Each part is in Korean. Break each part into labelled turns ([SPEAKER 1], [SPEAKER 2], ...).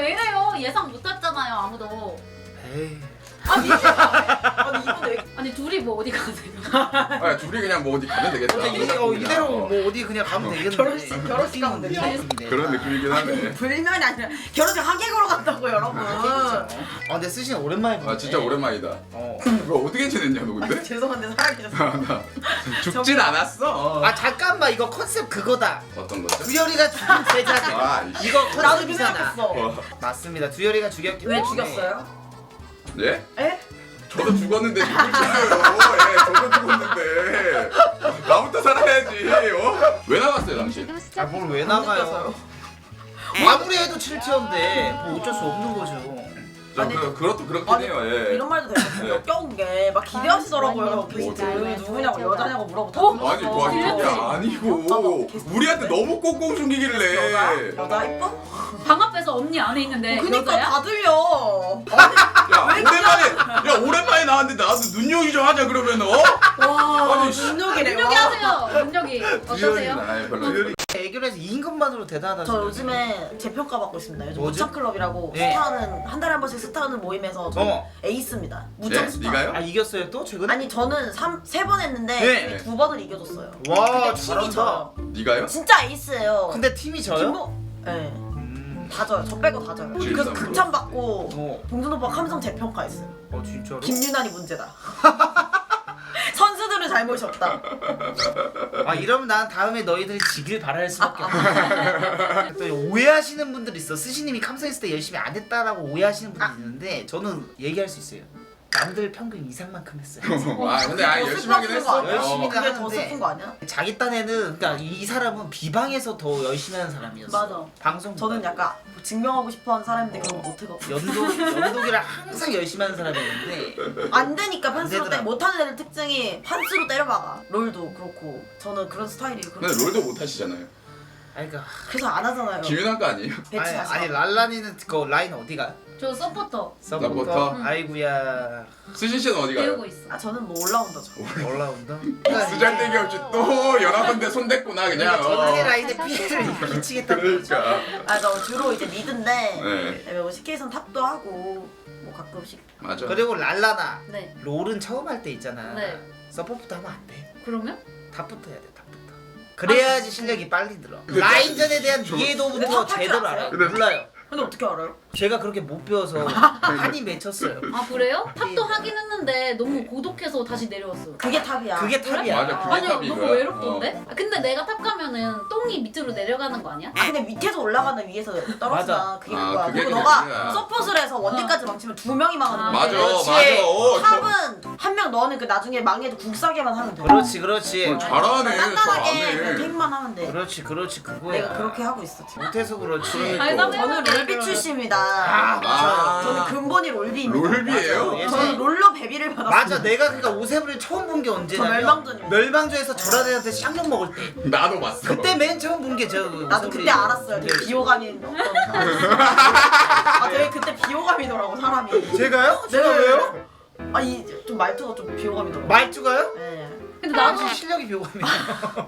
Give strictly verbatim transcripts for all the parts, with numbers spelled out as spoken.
[SPEAKER 1] 왜 이래요? 예상 못했잖아요 아무도.
[SPEAKER 2] 에이.
[SPEAKER 3] 아니 아니 이분 왜
[SPEAKER 1] 아니 둘이 뭐 어디 가세요?
[SPEAKER 4] 아 둘이 그냥 뭐 어디 가면 되겠다.
[SPEAKER 2] 근데 이, 어, 이대로 뭐 어디 그냥 가면 되겠는데.
[SPEAKER 3] 결혼식- 결혼식 가면 되지.
[SPEAKER 2] 느낌인데.
[SPEAKER 4] 그런 느낌이긴 하네.
[SPEAKER 3] 불면이 아니라 결혼식 하객으로 간다고 여러분.
[SPEAKER 2] 아 근데 쓰신 오랜만에 보네.
[SPEAKER 4] 아 진짜 오랜만이다.
[SPEAKER 2] 어.
[SPEAKER 4] 뭐 어떻게 지냈냐 너
[SPEAKER 3] 아,
[SPEAKER 4] 근데?
[SPEAKER 3] 죄송한데 살아계셨어.
[SPEAKER 4] 나 죽진 않았어.
[SPEAKER 2] 아 잠깐만 이거 컨셉 그거다.
[SPEAKER 4] 어떤 거죠?
[SPEAKER 2] 두열이가 죽인 제자들.
[SPEAKER 4] 아 이씨.
[SPEAKER 2] 이거
[SPEAKER 3] 나도 그
[SPEAKER 2] 컨셉이잖아.
[SPEAKER 3] 생각했어.
[SPEAKER 4] 어.
[SPEAKER 2] 맞습니다. 두열이가 죽였기
[SPEAKER 3] 왜
[SPEAKER 2] 때문에.
[SPEAKER 3] 죽였어요?
[SPEAKER 4] 예?
[SPEAKER 3] 에?
[SPEAKER 4] 저도 죽었는데 누굴 챙겨요? 예, 저도 죽었는데 나부터 살아야지. 어? 왜 나갔어요 당신?
[SPEAKER 2] 아 뭘 왜
[SPEAKER 3] 안
[SPEAKER 2] 나가요?
[SPEAKER 3] 느껴서요.
[SPEAKER 2] 아무리 해도 칠 티어인데 뭐 어쩔 수 없는 거죠.
[SPEAKER 4] 저
[SPEAKER 3] 아니,
[SPEAKER 4] 그, 그것도 그렇긴
[SPEAKER 3] 아니,
[SPEAKER 4] 해요. 예.
[SPEAKER 3] 이런 말도 되게 역겨운 게 막 기대하시더라고요. 게스트 누구냐고 여자냐고 물어보고.
[SPEAKER 4] 아니 뭐 아니 그게 아니고 우리한테 너무 꽁꽁 숨기길래.
[SPEAKER 3] 여자? 여자 이뻐?
[SPEAKER 1] 방 앞에서 언니 안에 있는데
[SPEAKER 3] 그니까
[SPEAKER 1] 여자야?
[SPEAKER 3] 다 들려.
[SPEAKER 4] 야 오랜만에 야 오랜만에 나왔는데 나도 눈요기 좀 하자 그러면 어?
[SPEAKER 3] 와
[SPEAKER 4] 아니, 씨.
[SPEAKER 3] 눈욕이래요.
[SPEAKER 1] 능력이 하세요. 능력이 어떠세요?
[SPEAKER 4] 아니 별로.
[SPEAKER 2] 애교에서 이긴 것만으로 대단하다.
[SPEAKER 3] 저 요즘에 재평가 받고 있습니다. 요즘
[SPEAKER 2] 뭐지?
[SPEAKER 3] 무창클럽이라고
[SPEAKER 2] 네.
[SPEAKER 3] 스타하는 한 달에 한 번씩 스타하는 모임에서 저
[SPEAKER 2] 어.
[SPEAKER 3] 에이스입니다.
[SPEAKER 4] 네?
[SPEAKER 3] 무창 스타.
[SPEAKER 4] 네가요?
[SPEAKER 2] 아 이겼어요 또 최근에?
[SPEAKER 3] 아니 저는 세 번 했는데
[SPEAKER 2] 네.
[SPEAKER 3] 두 번을 이겨줬어요.
[SPEAKER 2] 와,
[SPEAKER 3] 근데 팀이
[SPEAKER 2] 잘한다.
[SPEAKER 3] 져요.
[SPEAKER 4] 네가요?
[SPEAKER 3] 진짜 에이스예요.
[SPEAKER 2] 근데 팀이 져요?
[SPEAKER 3] 김보... 네.
[SPEAKER 2] 음.
[SPEAKER 3] 다 져요. 저 빼고 다 져요.
[SPEAKER 4] 진짜
[SPEAKER 3] 그래서
[SPEAKER 4] 그럼.
[SPEAKER 3] 극찬 받고
[SPEAKER 2] 어.
[SPEAKER 3] 봉준 오빠 감성 재평가했어요.
[SPEAKER 2] 어 진짜로?
[SPEAKER 3] 김유난이 문제다. 선수들을 잘못이었다.
[SPEAKER 2] 아 이러면 난 다음에 너희들이 지길 바랄 수밖에 없어. 또 오해하시는 분들 있어. 스시님이 감성했을 때 열심히 안 했다라고 오해하시는 분들 있는데 저는 얘기할 수 있어요. 남들 평균 이상만큼 했어요.
[SPEAKER 4] 아 근데 아
[SPEAKER 3] 더
[SPEAKER 4] 열심히 하긴
[SPEAKER 3] 슬픈
[SPEAKER 4] 했어.
[SPEAKER 3] 거 아니야?
[SPEAKER 2] 열심히
[SPEAKER 3] 그게 더
[SPEAKER 2] 하는데.
[SPEAKER 3] 슬픈 거 아니야?
[SPEAKER 2] 자기 딴에는 그러니까 이 사람은 비방에서 더 열심히 하는 사람이었어.
[SPEAKER 3] 맞아.
[SPEAKER 2] 방송
[SPEAKER 3] 저는 약간 증명하고 싶어하는 사람인데 그런 거 못해가지고
[SPEAKER 2] 연독 연독이랑 항상 열심히 하는 사람이었는데
[SPEAKER 3] 안 되니까
[SPEAKER 2] 안
[SPEAKER 3] 판수로 때
[SPEAKER 2] 되더라.
[SPEAKER 3] 못하는 애들 특징이 판수로 때려박아. 롤도 그렇고 저는 그런 스타일이
[SPEAKER 4] 근데
[SPEAKER 3] 그렇고
[SPEAKER 4] 롤도 못 하시잖아요.
[SPEAKER 2] 아니 그러니까
[SPEAKER 3] 그래서 안 하잖아요.
[SPEAKER 4] 김윤환 거 아니에요?
[SPEAKER 3] 배치
[SPEAKER 2] 아니,
[SPEAKER 3] 다시
[SPEAKER 2] 아니 랄란이는 그 라인 어디가?
[SPEAKER 1] 저 서포터
[SPEAKER 4] 서포터?
[SPEAKER 1] 응.
[SPEAKER 2] 아이구야
[SPEAKER 4] 수신 씨는 어디 가요?
[SPEAKER 1] 배우고 있어.
[SPEAKER 3] 아 저는 뭐 올라온다죠.
[SPEAKER 2] 올라온다.
[SPEAKER 4] 수잘데기 없이 또 여러 군데 손댔구나 그냥.
[SPEAKER 2] 전체
[SPEAKER 4] 어.
[SPEAKER 2] 라인의 피해를 끼치겠다는 거죠.
[SPEAKER 4] 그러니까.
[SPEAKER 3] 아 저 주로 이제 미드인데
[SPEAKER 4] 네.
[SPEAKER 3] 뭐 씨케이선 탑도 하고 뭐 가끔씩
[SPEAKER 4] 맞아.
[SPEAKER 2] 그리고 랄라나
[SPEAKER 1] 네.
[SPEAKER 2] 롤은 처음 할 때 있잖아.
[SPEAKER 1] 네.
[SPEAKER 2] 서포트부터 하면 안 돼.
[SPEAKER 1] 그러면?
[SPEAKER 2] 탑부터 해야 돼. 탑부터. 그래야지 실력이 빨리 들어. 라인전에 대한
[SPEAKER 4] 저-
[SPEAKER 2] 이해도부터
[SPEAKER 3] 근데 탑할 줄
[SPEAKER 2] 제대로
[SPEAKER 3] 아세요?
[SPEAKER 2] 알아요.
[SPEAKER 4] 근데-
[SPEAKER 2] 몰라요.
[SPEAKER 3] 근데 어떻게 알아요?
[SPEAKER 2] 제가 그렇게 못 배워서 한이 맺혔어요.
[SPEAKER 1] 아 그래요? 탑도 하긴 했는데 너무 고독해서 다시 내려왔어.
[SPEAKER 3] 그게 탑이야.
[SPEAKER 2] 그게 탑이야.
[SPEAKER 4] 맞아, 그게
[SPEAKER 1] 아니요
[SPEAKER 4] 탑인
[SPEAKER 1] 너무
[SPEAKER 4] 거야.
[SPEAKER 1] 외롭던데? 아, 근데 내가 탑 가면은 똥이 밑으로 내려가는 거 아니야?
[SPEAKER 3] 아 근데 밑에서 올라가는 위에서 떨어지나
[SPEAKER 2] 맞아.
[SPEAKER 3] 그게
[SPEAKER 4] 아,
[SPEAKER 3] 그거야.
[SPEAKER 4] 그게
[SPEAKER 3] 그리고
[SPEAKER 4] 그냥
[SPEAKER 3] 너가
[SPEAKER 4] 그거야.
[SPEAKER 3] 서폿을 해서 원딜까지 망치면 두 명이 망하는
[SPEAKER 1] 아,
[SPEAKER 3] 거야.
[SPEAKER 4] 맞아
[SPEAKER 2] 그렇지.
[SPEAKER 4] 맞아. 어, 저-
[SPEAKER 3] 탑은 한 명 너는 그 나중에 망해도 국사게만 하면 돼.
[SPEAKER 2] 그렇지 그렇지.
[SPEAKER 4] 어, 잘하네.
[SPEAKER 3] 단단하게 그냥
[SPEAKER 4] 잘하네.
[SPEAKER 3] 탱만 하면 돼.
[SPEAKER 2] 그렇지 그렇지 그거야.
[SPEAKER 3] 내가 그렇게 하고 있어 지금.
[SPEAKER 2] 못해서 그렇지.
[SPEAKER 1] 아니,
[SPEAKER 4] 또.
[SPEAKER 3] 저는 롤비 출신입니다.
[SPEAKER 2] 아,
[SPEAKER 4] 아.
[SPEAKER 3] 저는 근본이 롤비입니다.
[SPEAKER 4] 롤비예요?
[SPEAKER 2] 맞아.
[SPEAKER 3] 저는 롤로 베비를 받았어요.
[SPEAKER 2] 맞아 내가 그러니까 오세블을 처음 본 게 언제냐면
[SPEAKER 3] 저 멸망전이요.
[SPEAKER 2] 멸망전에서 저런 애한테 쌍욕 먹을 때
[SPEAKER 4] 나도 봤어.
[SPEAKER 2] 그때 맨 처음 본 게 저
[SPEAKER 3] 나도 그때 알았어요. 되게 비호감이 어떤 아 되게 그때 비호감이더라고 사람이.
[SPEAKER 2] 제가요?
[SPEAKER 3] 제가 왜요? 아니 좀 말투가 좀 비호감이더라고.
[SPEAKER 2] 말투가요?
[SPEAKER 3] 네.
[SPEAKER 1] 근데 나도
[SPEAKER 2] 사실 실력이 비호감이에요.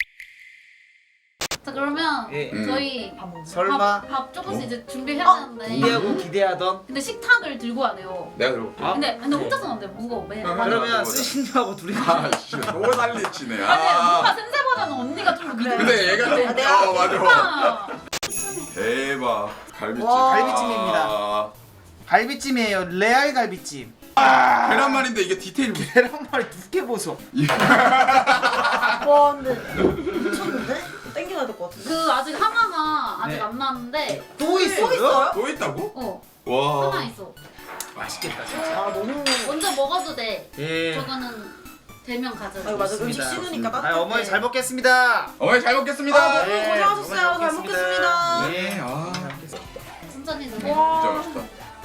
[SPEAKER 1] 자 그러면
[SPEAKER 2] 예.
[SPEAKER 4] 음.
[SPEAKER 1] 저희
[SPEAKER 3] 밥 먹는.
[SPEAKER 2] 설마
[SPEAKER 1] 밥, 밥 조금씩
[SPEAKER 4] 어?
[SPEAKER 1] 이제 준비해야
[SPEAKER 3] 어?
[SPEAKER 1] 되는데
[SPEAKER 2] 기대하고 기대하던
[SPEAKER 1] 근데 식탁을 들고 와네요.
[SPEAKER 4] 내가 들어볼게.
[SPEAKER 2] 아,
[SPEAKER 1] 근데 근데 혼자서는 안 돼. 무거워. 매.
[SPEAKER 4] 아,
[SPEAKER 1] 아니
[SPEAKER 2] 그러면
[SPEAKER 4] 맞아.
[SPEAKER 2] 스신님하고 둘이
[SPEAKER 4] 아씨 또 난리치네.
[SPEAKER 1] 뭔가
[SPEAKER 4] 아.
[SPEAKER 1] 센세보다는 언니가 좀 더
[SPEAKER 3] 그래.
[SPEAKER 1] 믿음.
[SPEAKER 4] 근데 얘가
[SPEAKER 3] 아, 내가
[SPEAKER 4] 어 맞아.
[SPEAKER 1] 아,
[SPEAKER 4] 대박. 갈비찜.
[SPEAKER 3] 와.
[SPEAKER 2] 갈비찜입니다.
[SPEAKER 4] 아.
[SPEAKER 2] 갈비찜이에요. 레알 갈비찜.
[SPEAKER 4] 계란말인데 이게 디테일이 뭐-
[SPEAKER 2] 계란말이 두께 보소.
[SPEAKER 3] 와 근데 미쳤는데? 땡겨야 될 것 같은데.
[SPEAKER 1] 그 아직 하나가 아직
[SPEAKER 2] 네.
[SPEAKER 1] 안 나왔는데
[SPEAKER 2] 또
[SPEAKER 3] 또 있어요?
[SPEAKER 4] 또 있다고?
[SPEAKER 1] 어
[SPEAKER 4] 와.
[SPEAKER 1] 하나 있어.
[SPEAKER 2] 맛있겠다 진짜.
[SPEAKER 3] 아 너무.
[SPEAKER 1] 먼저 먹어도 돼.
[SPEAKER 2] 예.
[SPEAKER 1] 저거는 대면 가져.
[SPEAKER 3] 아 맞아 음식
[SPEAKER 2] 좋습니다.
[SPEAKER 3] 식으니까
[SPEAKER 2] 아
[SPEAKER 3] 따뜻해.
[SPEAKER 2] 어머니 잘 먹겠습니다.
[SPEAKER 4] 어머니 잘 먹겠습니다.
[SPEAKER 3] 아, 너무
[SPEAKER 2] 네,
[SPEAKER 3] 고생하셨어요. 잘
[SPEAKER 2] 어머니
[SPEAKER 3] 먹겠습니다.
[SPEAKER 2] 예.
[SPEAKER 4] 아.
[SPEAKER 1] 천천히 드세요.
[SPEAKER 4] 진짜 맛있다.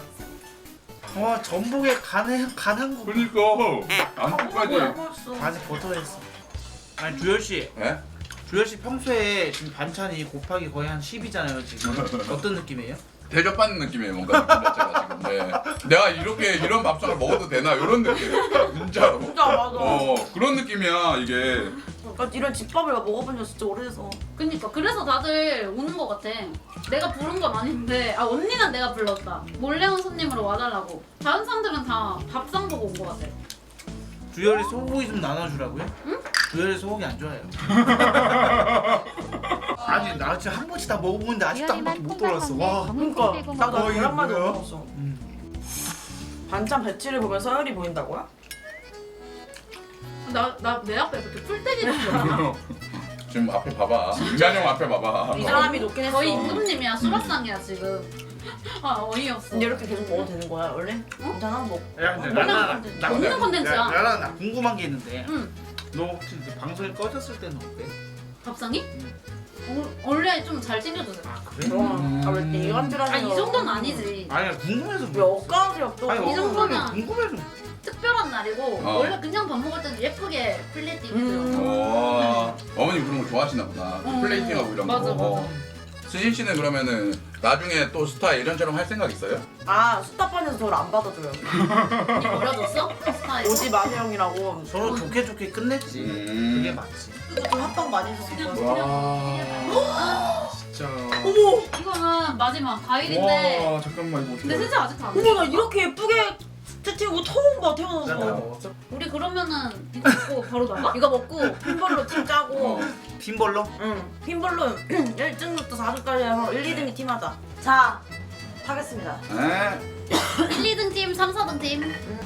[SPEAKER 2] 와 전복에 간한 간한 거.
[SPEAKER 4] 그러니까 안국까지.
[SPEAKER 2] 간에 버터했어. 아니 주열 씨,
[SPEAKER 4] 예?
[SPEAKER 2] 주열 씨 평소에 지금 반찬이 곱하기 거의 한 십이잖아요 지금. 어떤 느낌이에요?
[SPEAKER 4] 대접받는 느낌이에요 뭔가 느낌 자체가 지금. 네. 내가 이렇게 이런 밥상을 먹어도 되나 이런 느낌. 진짜로.
[SPEAKER 3] 진짜 맞아.
[SPEAKER 4] 어 그런 느낌이야 이게.
[SPEAKER 3] 그러니까 이런 집밥을 먹어본 지 진짜 오래돼서.
[SPEAKER 1] 그니까 그래서 다들 오는 거 같아. 내가 부른 건 아닌데 아 언니는 내가 불렀다. 몰래 온 손님으로 와달라고. 다른 사람들은 다 밥상 보고 온 거 같아.
[SPEAKER 2] 주열이 소고기 좀 나눠주라고요?
[SPEAKER 1] 응?
[SPEAKER 2] 주열이 소고기 안 좋아해요. 아니 나 지금 한 번씩 다 먹어보는데 아직도 한 번도 못 돌아왔어. 와.
[SPEAKER 3] 그러니까 나도
[SPEAKER 2] 어, 이게
[SPEAKER 3] 한 마디 못
[SPEAKER 2] 뭐야?
[SPEAKER 3] 먹었어.
[SPEAKER 2] 음.
[SPEAKER 3] 반찬 배치를 보면 서열이 보인다고요?
[SPEAKER 1] 나 나 내 앞에 그렇게 풀떼기는 줄 알아.
[SPEAKER 4] 지금 앞에 봐봐. 유찬 형 앞에 봐봐.
[SPEAKER 3] 이 사람이 높긴 했어.
[SPEAKER 1] 거의 임금님이야. 수라상이야 지금. 아 어이없어.
[SPEAKER 3] 근데 이렇게 계속 먹어도 되는 거야 원래? 괜찮아? 뭐
[SPEAKER 2] 야 근데
[SPEAKER 1] 먹는
[SPEAKER 2] 나나
[SPEAKER 1] 컨텐츠.
[SPEAKER 2] 나
[SPEAKER 1] 먹는 컨텐츠야.
[SPEAKER 2] 나랑 나 궁금한 게 있는데
[SPEAKER 1] 응.
[SPEAKER 2] 너 혹시 이제 방송이 꺼졌을 때는 어때?
[SPEAKER 1] 밥상이? 어, 원래 좀 잘 챙겨주세요.
[SPEAKER 2] 아 그래?
[SPEAKER 3] 음. 아, 왜 이간질하는
[SPEAKER 1] 아 이 정도는 아니지.
[SPEAKER 2] 아니 궁금해서
[SPEAKER 3] 왜
[SPEAKER 2] 물어봤어.
[SPEAKER 3] 엇가세요 또?
[SPEAKER 2] 아니
[SPEAKER 1] 이 정도면-
[SPEAKER 2] 어, 궁금해서
[SPEAKER 1] 특별한 날이고
[SPEAKER 4] 어.
[SPEAKER 1] 원래 그냥 밥 먹을 때는 예쁘게 플레이팅
[SPEAKER 3] 음.
[SPEAKER 1] 해줘요.
[SPEAKER 4] 어 어머니 그런 거 좋아하시나 보다.
[SPEAKER 1] 음.
[SPEAKER 4] 플레이팅하고 이런
[SPEAKER 1] 맞아,
[SPEAKER 4] 거.
[SPEAKER 1] 맞아.
[SPEAKER 4] 수진 씨는 그러면은 나중에 또 스타 이런저런 할 생각 있어요?
[SPEAKER 3] 아 수다판에서 저를 안 받아줘요.
[SPEAKER 1] 이 버려졌어? 스타일.
[SPEAKER 3] 오지 마세요이라고.
[SPEAKER 2] 서로 좋게 좋게 끝냈지.
[SPEAKER 4] 음.
[SPEAKER 2] 그게 맞지.
[SPEAKER 3] 그것도 합방 많이 했었어.
[SPEAKER 4] 와 진짜.
[SPEAKER 3] 어머
[SPEAKER 1] 이거는 마지막 과일인데.
[SPEAKER 4] 와 잠깐만 이거
[SPEAKER 1] 근데 진짜 아직 안
[SPEAKER 3] 어머
[SPEAKER 1] 돼.
[SPEAKER 3] 나 이렇게 예쁘게 채팅하고 처음 봐
[SPEAKER 2] 나 다
[SPEAKER 3] 태어나서.
[SPEAKER 2] 먹었어?
[SPEAKER 1] 우리 그러면은 이거 먹고 바로 나가?
[SPEAKER 3] 이거 먹고 핀볼로 팀 짜고.
[SPEAKER 4] 어.
[SPEAKER 2] 핀볼로?
[SPEAKER 3] 응 핀볼로 일 등부터 사 등까지 해서 일, 이 등이 팀하자. 자 하겠습니다.
[SPEAKER 4] 에?
[SPEAKER 1] 일, 이 등 팀, 삼, 사 등 팀.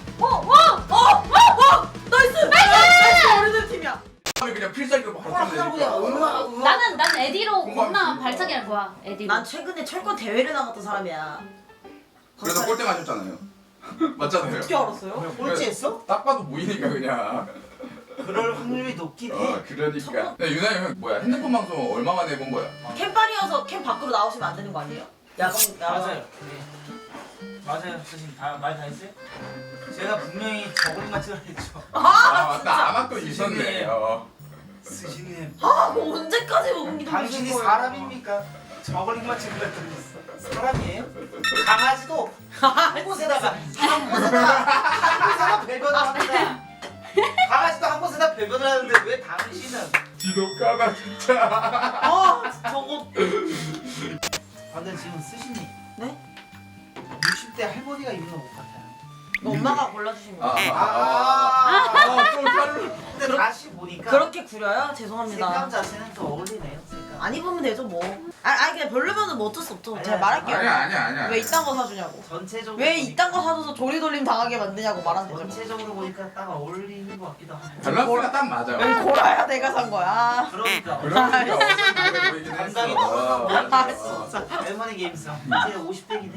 [SPEAKER 3] 나이스! 나이스! 어른들 팀이야.
[SPEAKER 4] 그냥 필살기로 바로
[SPEAKER 3] 그냥
[SPEAKER 4] 끝내니까.
[SPEAKER 3] 얼마나
[SPEAKER 1] 나는 난 에디로
[SPEAKER 4] 공감이
[SPEAKER 1] 겁나
[SPEAKER 4] 있으니까.
[SPEAKER 1] 발차기 할 거야. 에디로.
[SPEAKER 3] 난 최근에 철권 대회를 나갔던 사람이야.
[SPEAKER 4] 그래서 꼴등 하셨잖아요. 맞잖아요.
[SPEAKER 3] 어떻게 알았어요?
[SPEAKER 2] 꼴찌했어?
[SPEAKER 4] 딱 봐도 보이니까 그냥.
[SPEAKER 2] 그럴 확률이 높긴 해.
[SPEAKER 4] 어 그러니까. 근데 유나이 형 뭐야 핸드폰 방송 얼마 만에 해본 거야?
[SPEAKER 3] 캠빨이어서 캠 밖으로 나오시면 안 되는 거 아니에요? 야방 야방.
[SPEAKER 2] 맞아요. 네. 맞아요. 선생님 다말 다 했어요? 제가 분명히 저걸 맞추라 했죠.
[SPEAKER 4] 아 맞다 아마도 있었네. 어.
[SPEAKER 2] 스시님.
[SPEAKER 3] 아, 뭐 언제까지 먹는 게
[SPEAKER 2] 당신이 사람입니까? 저걸링 맞추라 했더니 사람이에요? 강아지도 한 곳에다가 한 곳에다가 한 곳에다가 배변을 합니다. 강아지도 한 곳에다 배변을 하는데 왜 당신은?
[SPEAKER 4] 지독하다 진짜.
[SPEAKER 3] 아, 저거
[SPEAKER 2] 근데 지금 스시님
[SPEAKER 3] 네?
[SPEAKER 2] 육십 대 할머니가 입는 옷 같아요.
[SPEAKER 3] 이거 엄마가 골라주신
[SPEAKER 4] 아,
[SPEAKER 3] 거예요.
[SPEAKER 4] 아, 아, 또 다른.
[SPEAKER 2] 근데 다시 보니까
[SPEAKER 3] 그렇게 구려요? 죄송합니다.
[SPEAKER 2] 색감 자체는 더 어울리네요. 색감.
[SPEAKER 3] 안 입으면 되죠 뭐. 아, 아니 그냥 별로면은 뭐 어쩔 수 없죠. 제가
[SPEAKER 2] 아니야,
[SPEAKER 3] 말할게요.
[SPEAKER 4] 아니야 아니야 아니야.
[SPEAKER 3] 왜 이딴 거 사주냐고.
[SPEAKER 2] 전체적으로
[SPEAKER 3] 왜
[SPEAKER 2] 보니까
[SPEAKER 3] 이딴 거 사줘서 조리돌림 당하게 만드냐고 말하면 되죠. 뭐.
[SPEAKER 2] 전체적으로 보니까 딱 어울리는 것 같기도 하고.
[SPEAKER 4] 밸런스가 딱 맞아.
[SPEAKER 3] 왜 고라야 내가 산 거야.
[SPEAKER 2] 그러니까
[SPEAKER 4] 그러니까 어떤 다르게 보이긴 했어.
[SPEAKER 2] 감각이
[SPEAKER 4] 아,
[SPEAKER 3] 아,
[SPEAKER 4] 맞아.
[SPEAKER 2] 할머니 게임성 이제 오십 대긴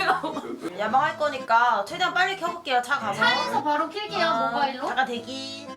[SPEAKER 2] 해.
[SPEAKER 3] 야방할 거니까 최대한 빨리 켜볼게요. 차 가서.
[SPEAKER 1] 차에서 바로 킬게요
[SPEAKER 3] 아,
[SPEAKER 1] 모바일로.
[SPEAKER 3] 잠깐 대기.